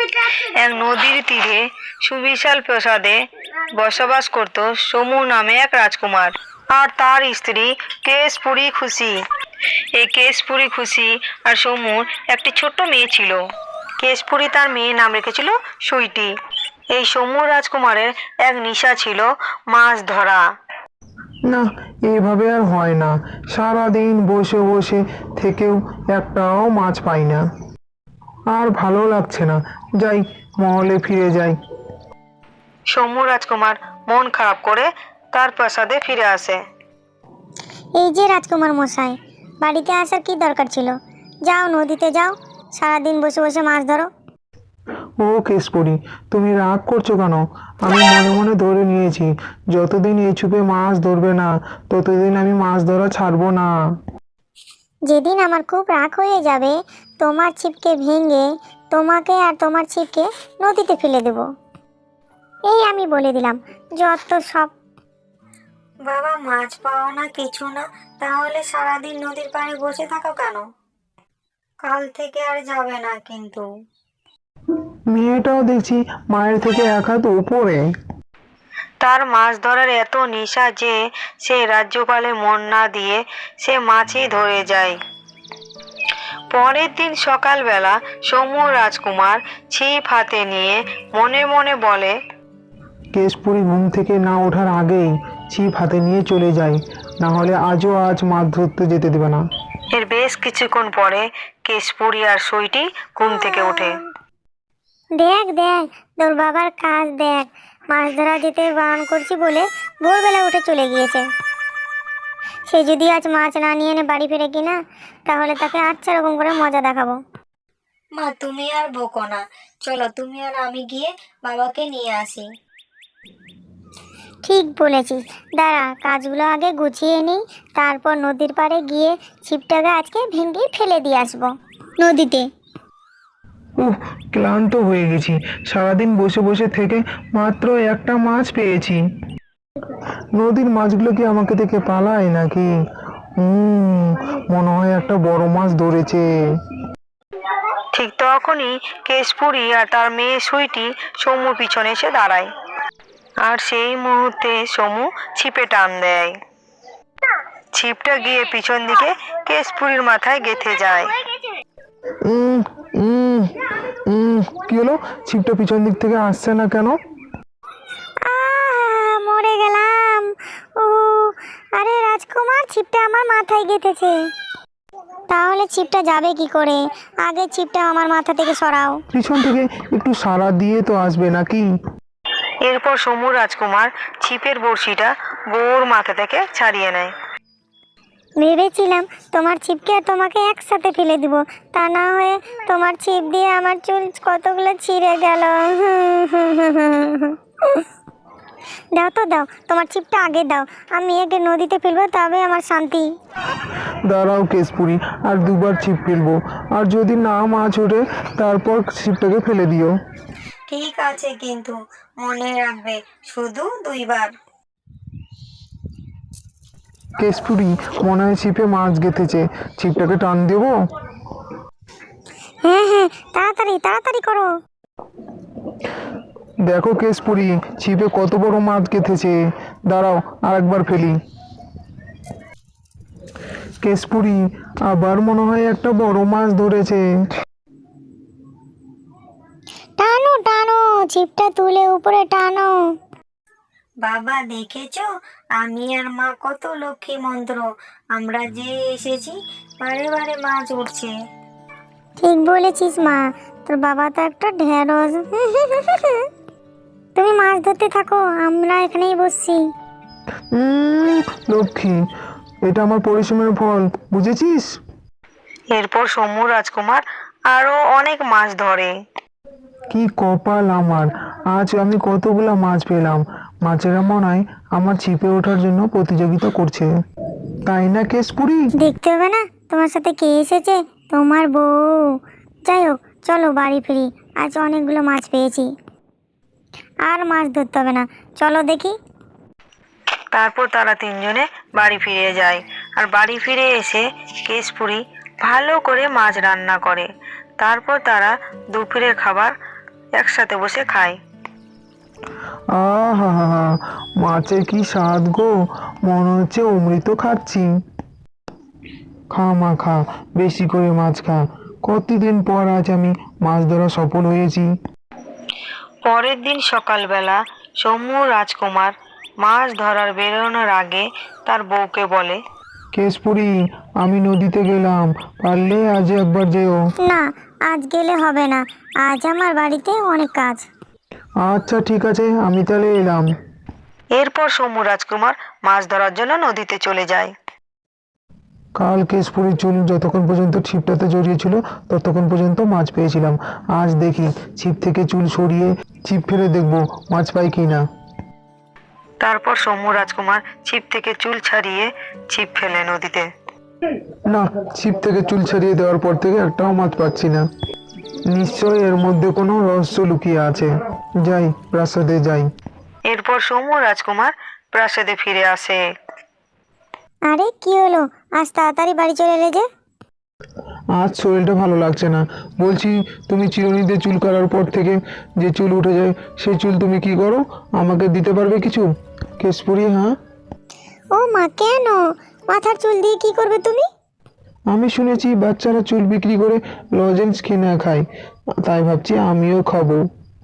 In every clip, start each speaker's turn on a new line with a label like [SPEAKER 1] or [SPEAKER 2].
[SPEAKER 1] এক নদীর তীরে সুবিশাল প্রাসাদে বসবাস করত সমু নামে এক রাজকুমার আর তার স্ত্রী কেশপুরী খুশি। এই কেশপুরী খুশি আর সমুর একটি ছোট্ট মেয়ে ছিল। কেশপুরী তার মেয়ের নাম রেখেছিল সুইটি। এই সমু রাজকুমারের এক নেশা ছিল মাছ ধরা।
[SPEAKER 2] না, এভাবে আর হয় না। সারাদিন বসে বসে থেকেও একটাও মাছ পাই না। আর ভালো লাগছে না, যাই মহলে ফিরে যাই।
[SPEAKER 1] সমু রাজকুমার মন খারাপ করে তার প্রাসাদে ফিরে আসে।
[SPEAKER 3] এই যে রাজকুমার মশাই, বাড়িতে আসার কি দরকার ছিল? যাও নদীতে যাও, সারাদিন বসে বসে মাছ ধরো।
[SPEAKER 2] ও কেশপুরী, তুমি রাগ করছো কেন? আমি মনে মনে ধরে নিয়েছি, যতদিন এই চুপে মাছ ধরবে না ততদিন আমি মাছ ধরা ছাড়বো না।
[SPEAKER 3] যেদিন আমার খুব রাগ হয়ে যাবে, তোমার ছিপকে ভেঙে তোমাকে আর তোমার ছিপকে নদীতে ফেলে দেব। এই আমি বলে দিলাম, যত সব।
[SPEAKER 1] বাবা, মাছ পাও না কিছু না, তাহলে সারাদিন নদীর পাড়ে বসে থাকো কেন? কাল থেকে আর যাবে না কিন্তু।
[SPEAKER 2] মেয়েটাও দেখছি মায়ের থেকে এক হাত উপরে।
[SPEAKER 1] তার মাছ ধরার এত নেশা যে সে রাজ্যপালে মন না দিয়ে সে মাছই ধরে যায়। পরের দিন সকালবেলা সমু রাজকুমার ছিপ হাতে নিয়ে মনে মনে বলে,
[SPEAKER 2] কেশপুরী ঘুম থেকে না ওঠার আগেই ছিপ হাতে নিয়ে চলে যায়, না হলে আজ মাছ ধরতে যেতে দেবে না।
[SPEAKER 1] এর বেশ কিছুক্ষণ পরে কেশপুরী আর সইটি ঘুম থেকে ওঠে।
[SPEAKER 3] দেখ দেখ, তোর বাবার কাজ দেখ, মাছ ধরা যেতে বারণ করছি বলে ভোরবেলা উঠে চলে গিয়েছে। সে যদি আজ মাছ না নিয়ে এনে বাড়ি ফিরে কিনা, তাহলে তাকে আচ্ছা রকম করে মজা দেখাবো।
[SPEAKER 1] মা, তুমি আর বকো না, চলো তুমি আর আমি গিয়ে বাবাকে নিয়ে আসি।
[SPEAKER 3] ঠিক বলেছিস, দাঁড়া কাজগুলো আগে গুছিয়ে নিই, তারপর নদীর পাড়ে গিয়ে ছিপটাকে আজকে ভেঙে ফেলে দিয়ে আসবো নদীতে।
[SPEAKER 2] ক্লান্ত হয়ে গেছি, সারাদিন বসে বসে থেকে মাত্র একটা মাছ পেয়েছি। নদীর মাছগুলো কি আমাকে দেখে পালায় নাকি? মনে হয় একটা বড় মাছ ধরেছে।
[SPEAKER 1] ঠিক তখনই কেশপুরী আর তার মেয়ে সুইটি সমুর পিছনে এসে দাঁড়ায়। আর সেই মুহূর্তে সমু ছিপে টান দেয়। ছিপটা গিয়ে পিছন দিকে কেশপুরীর মাথায় গেঁথে যায়।
[SPEAKER 2] উম, উম, কি হলো? ছিপটা পিছন দিক থেকে আসছে না কেন?
[SPEAKER 3] মরে গেলাম। ও আরে রাজকুমার, ছিপটা আমার মাথায় গেঁথেছে। তাহলে ছিপটা যাবে কি করে? আগে ছিপটা আমার মাথা থেকে সরাও।
[SPEAKER 2] পিছন থেকে একটু সাড়া দিয়ে তো আসবে নাকি?
[SPEAKER 1] এরপর সমু রাজকুমার ছিপের বড়শিটা বউর মাথা থেকে ছাড়িয়ে নেয়।
[SPEAKER 3] ভেবেছিলাম তোমার ছিপকে আর তোমাকে একসাথে ফেলে দিব, তা না হয়ে তোমার ছিপ দিয়ে আমার চুল কতগুলো ছিঁড়ে গেল। দাও তো দাও, তোমার ছিপটা আগে দাও, আমি একে নদীতে ফেলবো, তবে আমার শান্তি।
[SPEAKER 2] দাঁড়াও কেশপুরী, আর দুবার ছিপ ফেলবো, আর যদি না মাছ ওঠে তারপর ছিপটাকে ফেলে দিও।
[SPEAKER 1] ঠিক আছে, কিন্তু মনে রাখবে শুধু 2 বার।
[SPEAKER 2] কেশপুরী, মনে হয় ছিপে মাছ গেঁথেছে, ছিপটাকে টান দেবো?
[SPEAKER 3] হ্যাঁ হ্যাঁ, তাড়াতাড়ি তাড়াতাড়ি করো।
[SPEAKER 2] দেখো কেশপুরী, ছিপে কত বড় মাছ গেঁথেছে। দাঁড়াও আর একবার ফেলি। কেশপুরী, আবার মনে হয় একটা বড় মাছ ধরেছে।
[SPEAKER 3] টানো টানো, ছিপটা তুলে উপরে টানো।
[SPEAKER 1] বাবা, দেখেছো আমি আর মা কত লক্ষ্মী মন্ত্র, আমরা যে এসেছি বারে বারে মাছ উঠছে।
[SPEAKER 3] ঠিক বলেছিস মা, তোর বাবা তো একটা ঢেঁড়স। তুমি মাছ ধরতে থাকো, আমরা এখানেই বসছি।
[SPEAKER 2] লক্ষ্মী, এটা আমার পরিশ্রমের ফল, বুঝেছিস?
[SPEAKER 1] এরপর সমু রাজকুমার আরো অনেক মাছ ধরে।
[SPEAKER 2] কি কপাল আমার, আজ আমি কতগুলা মাছ পেলাম। মাছেরা মনে হয় আমার ছিপে ওঠার জন্য প্রতিযোগিতা করছে, তাই না কেশপুরী?
[SPEAKER 3] দেখতে হবে না তোমার সাথে কে এসেছে? তোমার বউ। যাই হোক, চলো বাড়ি ফিরি, আজ অনেকগুলো মাছ পেয়েছি, আর মাছ ধরতে হবে না, চলো দেখি।
[SPEAKER 1] তারপর তারা 3 জনে বাড়ি ফিরে যায়। আর বাড়ি ফিরে এসে কেশপুরী ভালো করে মাছ রান্না করে। তারপর তারা দুপুরের খাবার একসাথে বসে খায়।
[SPEAKER 2] আহা হা হা, মাছের কি স্বাদ গো, মনে হচ্ছে অমৃত খাচ্ছি। খা মা খা, বেশি করে মাছ খা। কতদিন পর আজ আমি মাছ ধরা সফল হয়েছি।
[SPEAKER 1] পরের দিন সকালবেলা সমু রাজকুমার মাছ ধরার বেরোনোর আগে তার বউকে বলে,
[SPEAKER 2] কেশপুরি, আমি নদীতে গেলাম, পারলে আজ একবার যেও।
[SPEAKER 3] না, আজ গেলে হবে না, আজ আমার বাড়িতে অনেক কাজ।
[SPEAKER 2] আচ্ছা ঠিক আছে, আমি তাহলে এলাম।
[SPEAKER 1] এরপর সমু রাজকুমার মাছ ধরার জন্য নদীতে চলে যায়।
[SPEAKER 2] কাল কেশপুরির চুল যতক্ষণ পর্যন্ত ছিপটাতে জড়িয়েছিল ততক্ষণ পর্যন্ত মাছ পেয়েছিলাম। আজ দেখি ছিপ থেকে চুল সরিয়ে ছিপ ফেলে দেখবো মাছ পাই কি না।
[SPEAKER 1] তারপর সমু রাজকুমার ছিপ থেকে চুল ছাড়িয়ে ছিপ ফেলে নদীতে।
[SPEAKER 2] না, ছিপ থেকে চুল ছাড়িয়ে দেওয়ার পর থেকে একটাও মাছ পাচ্ছি না। নিশ্চয়ই এর মধ্যে কোনো রহস্য লুকিয়ে আছে। যাই, প্রাসাদে যাই।
[SPEAKER 1] এরপর সমু রাজকুমার প্রাসাদে ফিরে আসে।
[SPEAKER 3] আরে কি হলো, আজ তাড়াতাড়ি বাড়ি চলে এলে যে?
[SPEAKER 2] আজ শরীরটা ভালো লাগছে না। বলছি, তুমি চিরুনিতে চুল কাটার পর থেকে যে চুল উঠে যায় সেই চুল তুমি কি করো, আমাকে দিতে পারবে কিছু? কেশপুরি, হ্যাঁ?
[SPEAKER 3] ও মা, কেন? মাথার চুল দিয়ে কি করবে তুমি?
[SPEAKER 2] আমি শুনেছি বাচ্চারা চুল বিক্রি করে লজেন্স কিনে খায়, তাই ভাবছি আমিও খাবো।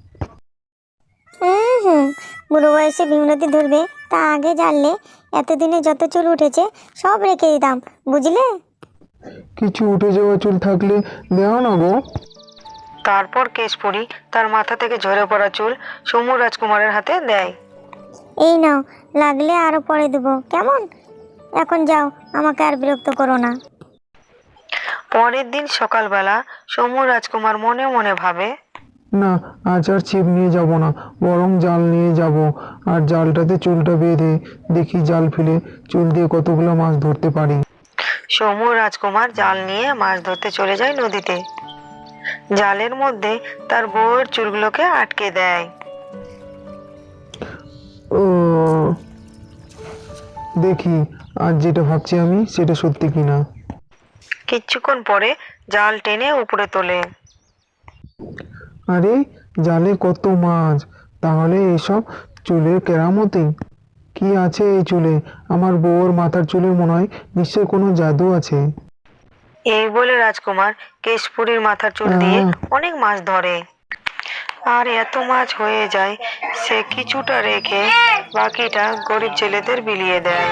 [SPEAKER 3] হুম, বুড়ো বয়সে বিমলতি ধরবে তা আগে জানলে এতদিনে যত চুল উঠেছে সব রেখে দিতাম, বুঝলে?
[SPEAKER 2] কিছু উঠে যাওয়া চুল থাকলে দেও না গো।
[SPEAKER 1] তারপর কেশপুরী তার মাথা থেকে ঝরে পড়া চুল সমু রাজকুমারের হাতে দেয়।
[SPEAKER 3] এই নাও, লাগলে আরো পরে দেবো, কেমন? এখন যাও, আমাকে আর বিরক্ত করো না।
[SPEAKER 1] পরের দিন সকালবেলা সমু রাজকুমার মনে মনে ভাবে,
[SPEAKER 2] না, আজ আর ছিপ নিয়ে যাব না, বরং জাল নিয়ে যাব। আর জালটাতে চুলটা বেঁধে দেখি জাল ফেলে চুল দিয়ে কতগুলো মাছ ধরতে পারি।
[SPEAKER 1] সমু রাজকুমার জাল নিয়ে মাছ ধরতে চলে যায় নদীতে। জালের মধ্যে তার বউয়ের চুলগুলোকে আটকে দেয়।
[SPEAKER 2] ও, দেখি আজ যেটা ভাবছি আমি সেটা সত্যি কিনা।
[SPEAKER 1] কিছুক্ষণ পরে জাল টেনে উপরে তোলে।
[SPEAKER 2] আরে, জালে কত মাছ! তাহলে এসব চুলের কেরামতি। কি আছে এই চুলে? আমার বউর মাথার চুলে মনে হয় নিশ্চয় কোনো জাদু আছে।
[SPEAKER 1] এই বলে রাজকুমার কেশপুরীর মাথার চুল দিয়ে অনেক মাছ ধরে। আর এত মাছ হয়ে যায় সে কিছুটা রেখে বাকিটা গরিব ছেলেদের বিলিয়ে দেয়।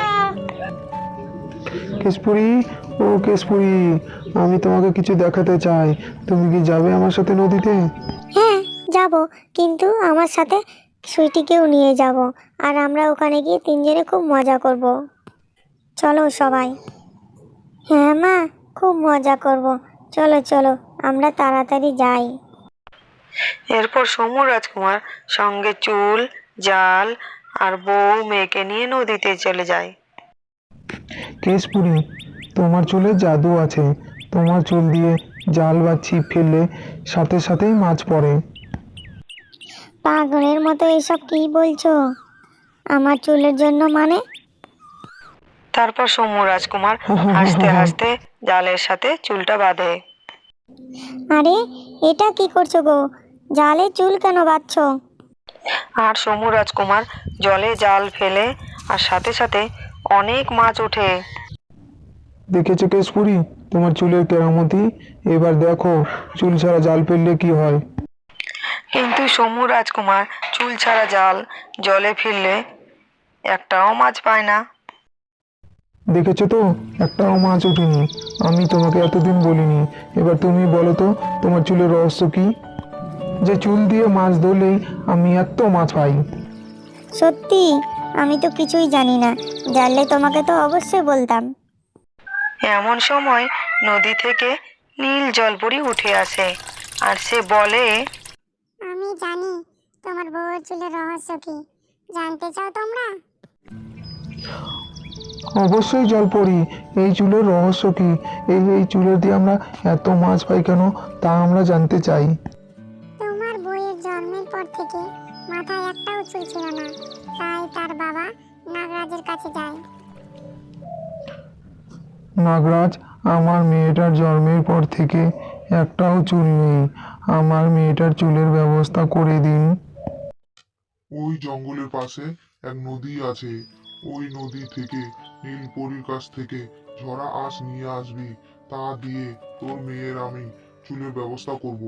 [SPEAKER 2] কেশপুরি, ও কেশপুরি, আমি তোমাকে কিছু দেখাতে চাই। তুমি কি যাবে আমার সাথে নদীতে?
[SPEAKER 3] হ্যাঁ, যাব, কিন্তু আমার সাথে সুইটিকেও নিয়ে যাব, আর আমরা ওখানে গিয়ে তিনজনে খুব মজা করব। চলো সবাই। হ্যাঁ মা, খুব মজা করব। চলো চলো, আমরা তাড়াতাড়ি যাই।
[SPEAKER 1] এরপর সমু রাজকুমার সঙ্গে চুল, জাল আর বউ মেয়েকে নিয়ে নদীতে চলে যায়।
[SPEAKER 2] কেশপুরি, তোমার চুলে জাদু আছে। তোমার চুল দিয়ে জাল বা ছিপ ফেললে সাথে সাথেই মাছ পড়ে।
[SPEAKER 3] পাগলের মতো এসব কি বলছো? আমার চুলের জন্য মানে?
[SPEAKER 1] তারপর সমু রাজকুমার হাসতে হাসতে জালের সাথে চুলটা বাঁধে।
[SPEAKER 3] আরে, এটা কি করছো গো? জালে চুল কেন বাঁধছো?
[SPEAKER 1] আর সমু রাজকুমার জলে জাল ফেলে আর সাথে সাথে অনেক মাছ ওঠে।
[SPEAKER 2] দেখেছো কেশপুরি, তোমার চুলের কেরামতি? এবার দেখো চুল ছাড়া জাল ফেললে কি হয়।
[SPEAKER 1] কিন্তু সমু রাজকুমার চুল ছাড়া জাল জলে ফেললে একটাও মাছ পায় না।
[SPEAKER 2] দেখেছো তো, একটাও মাছ ওঠেনি। আমি তোমাকে এতদিন বলিনি। এবার তুমি বলো তো, তোমার চুলের রহস্য কি, যে চুল দিয়ে মাছ ধরলেই আমি এত মাছ পাই?
[SPEAKER 3] সত্যি, আমি তো কিছুই জানি না, জানলে তোমাকে তো অবশ্যই বলতাম।
[SPEAKER 1] এমন সময় নদী থেকে নীল জলপরি উঠে আসে আর সে বলে,
[SPEAKER 3] আমি জানি তোমার বউয়ের চুলের রহস্য কি। জানতে চাও তোমরা?
[SPEAKER 2] অবশ্যই জলপরি, এই চুলের রহস্য কি? এই চুলের দিয়ে আমরা এত মাছ পাই কেন, তা আমরা জানতে চাই।
[SPEAKER 3] তোমার বউয়ের জন্মের পর থেকে মাথায় একটাও চুল ছিল না, তাই তার বাবা নাগরাজের কাছে যায়।
[SPEAKER 2] নাগরাজ, আমার মেয়েটার জন্মের পর থেকে একটাও চুল নেই। আমার মেয়েটার চুলের ব্যবস্থা করে দিন।
[SPEAKER 4] ওই জঙ্গলের পাশে এক নদী আছে। ওই নদী থেকে নীলপরির কাছ থেকে ঝরা আঁশ নিয়ে আসবি। তা দিয়ে তোর মেয়ের আমি চুলের ব্যবস্থা করব।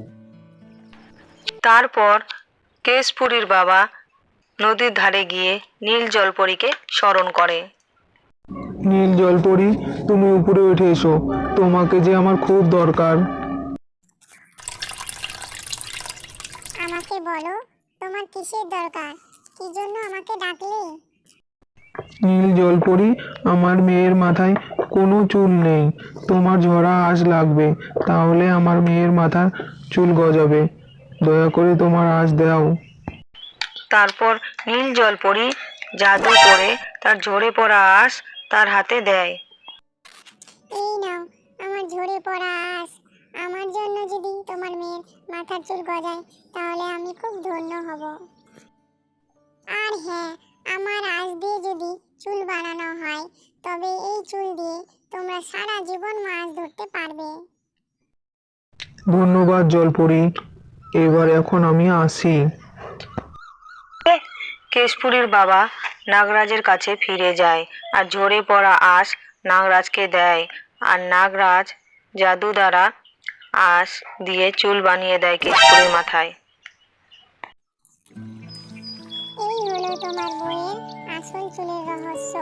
[SPEAKER 1] তারপর কেশপুরীর বাবা নদীর ধারে গিয়ে নীল জলপরীকে স্মরণ করে।
[SPEAKER 2] নীল জলপরি, তুমি উপরে উঠে এসো, তোমাকে যে আমার খুব দরকার।
[SPEAKER 3] আমাকে বলো, তোমার কিসের দরকার? কি জন্য আমাকে ডাকলে?
[SPEAKER 2] নীল জলপরি, আমার মেয়ের মাথায় কোনো চুল নেই। তোমার ঝরা আঁশ লাগবে, তাহলে আমার মেয়ের মাথার চুল গজাবে। দয়া করে তোমার আঁশ দাও।
[SPEAKER 1] তারপর নীল জলপরী জাদু করে তার ঝরে পড়া আঁশ তার হাতে দেয়।
[SPEAKER 3] এই নাও আমার ঝরে পড়া আঁশ। আমার জন্য যদি তোমার মেয়ের মাথার চুল গজায় তাহলে আমি খুব ধন্য হব। আর হ্যাঁ, আমার আঁশ দিয়ে যদি চুল বানানো হয় তবে এই চুল দিয়ে তোমরা সারা জীবন মাছ ধরতে পারবে।
[SPEAKER 2] ধন্যবাদ জলপরি, এবার এখন আমি আসি।
[SPEAKER 1] কেশপুরীর বাবা নাগরাজের কাছে ফিরে যায় আর ঝরে পড়া আঁশ নাগরাজকে দেয়। আর নাগরাজ জাদু দ্বারা আঁশ দিয়ে চুল বানিয়ে দেয় কেশপুরীর মাথায়।
[SPEAKER 3] এই হলো তোমার বইয়ের আসল চুলের রহস্য।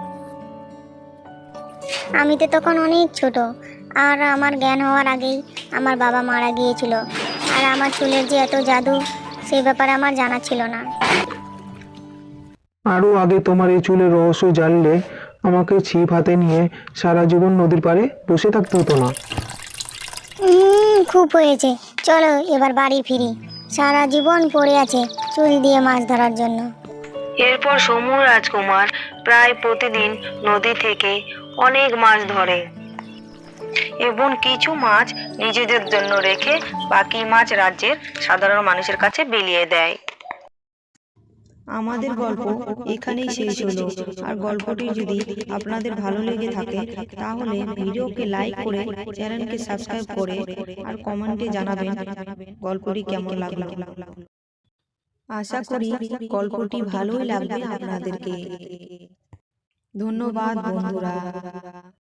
[SPEAKER 3] আমি তো তখন অনেক ছোট, আর আমার জ্ঞান হওয়ার আগেই আমার বাবা মারা গিয়েছিল। আর আমার চুলের যে এত জাদু, সেই ব্যাপারে আমার জানা ছিল না।
[SPEAKER 2] আরো আগে তোমার এই চুলের রহস্য জানলে আমাকে ছিপ হাতে নিয়ে সারা জীবন নদীর পাড়ে বসে থাকতে হতো না।
[SPEAKER 3] খুব হয়েছে, চলো এবার বাড়ি ফিরি। সারা জীবন পড়ে আছে চুল দিয়ে মাছ ধরার জন্য।
[SPEAKER 1] এরপর সমু রাজকুমার প্রায় প্রতিদিন নদী থেকে অনেক মাছ ধরে এবং কিছু মাছ নিজেদের জন্য রেখে বাকি মাছ রাজ্যের সাধারণ মানুষের কাছে বিলিয়ে দেয়।
[SPEAKER 5] আমাদের গল্প এখানেই শেষ হলো। আর গল্পটি যদি আপনাদের ভালো লেগে থাকে তাহলে ভিডিওকে লাইক করে চ্যানেলকে সাবস্ক্রাইব করে আর কমেন্টে জানাবেন গল্পটি কেমন লাগলো। আশা করি গল্পটি ভালোই লাগবে আপনাদেরকে। ধন্যবাদ বন্ধুরা।